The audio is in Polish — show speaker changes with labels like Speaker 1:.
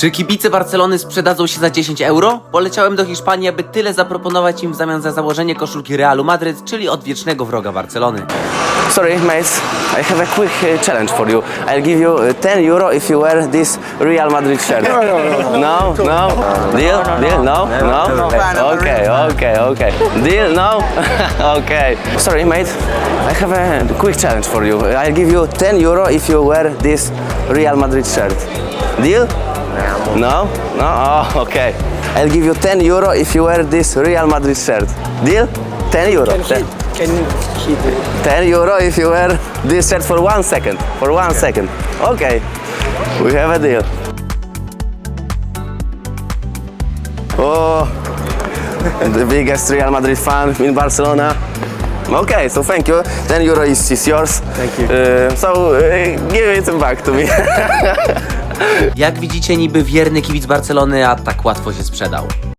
Speaker 1: Czy kibice Barcelony sprzedadzą się za 10 euro? Poleciałem do Hiszpanii, aby tyle zaproponować im w zamian za założenie koszulki Realu Madryt, czyli odwiecznego wroga Barcelony.
Speaker 2: Sorry, mates. I have a quick challenge for you. I'll give you 10 euro if you wear this Real Madrid shirt. No. Deal? Deal? No? Okay. Deal? No? Okay. Sorry, mate. I have a quick challenge for you. I'll give you 10 euro if you wear this Real Madrid shirt. Deal? No? Oh, okay. I'll give you 10 euro if you wear this Real Madrid shirt. Deal? 10 euro.
Speaker 3: Can keep it.
Speaker 2: 10 euro if you wear this shirt for 1 second. For 1 second. Okay. We have a deal. Oh, the biggest Real Madrid fan in Barcelona. Okay, so thank you. 10 euro is yours.
Speaker 3: Thank you.
Speaker 2: Give it back to me.
Speaker 1: Jak widzicie, niby wierny kibic Barcelony, a tak łatwo się sprzedał.